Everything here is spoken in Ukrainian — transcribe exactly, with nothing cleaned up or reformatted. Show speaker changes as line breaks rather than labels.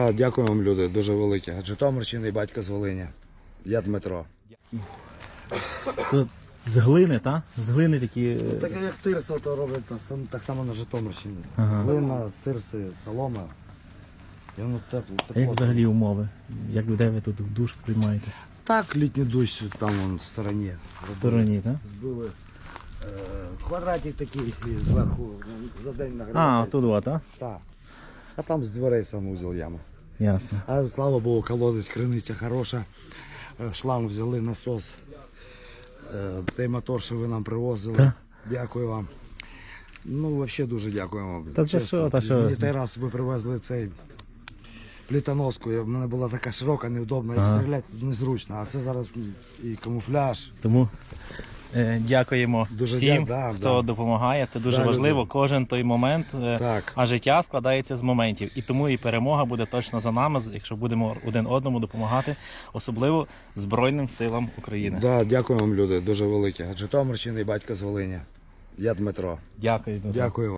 Да, дякую вам, люди, дуже велике. Житомирщина і батько з Волині. Я Дмитро.
Тут з глини, так? З глини такі.
Так як тирса, то роблять так само на Житомирщині.
Ага.
Глина, тирси, солома. І воно тепло.
А
тепло.
як взагалі умови? Як людей ви тут душ приймаєте?
Так, літній дощ там вон, в стороні.
В стороні, так?
Збили е, квадратик такий і зверху за день
А,
нагрівається.
тут от, так?
Так. А там з дверей санузел яма.
Ясно.
А слава Богу, колодець, криниця хороша. Е, Шланг взяли, насос. Е, Той мотор, що ви нам привозили.
Так.
Дякую вам. Ну, взагалі дуже дякуємо.
Та це що, та що?
Мені той раз ви привезли цей плітоноску. В мене була така широка, невдобна, і
Ага.
стріляти тут незручно. А це зараз і камуфляж.
Тому е, дякуємо
Дуже
всім,
дя- да,
хто
да.
допомагає. Це дуже
Да,
важливо.
люди.
Кожен той момент, е,
Так.
а життя складається з моментів. І тому і перемога буде точно за нами, якщо будемо один одному допомагати, особливо Збройним силам України.
Да, дякую вам, люди, дуже велике. Житомирщина і батько з Волині. Я Дмитро.
Дякую. Дмитро.
Дякую вам.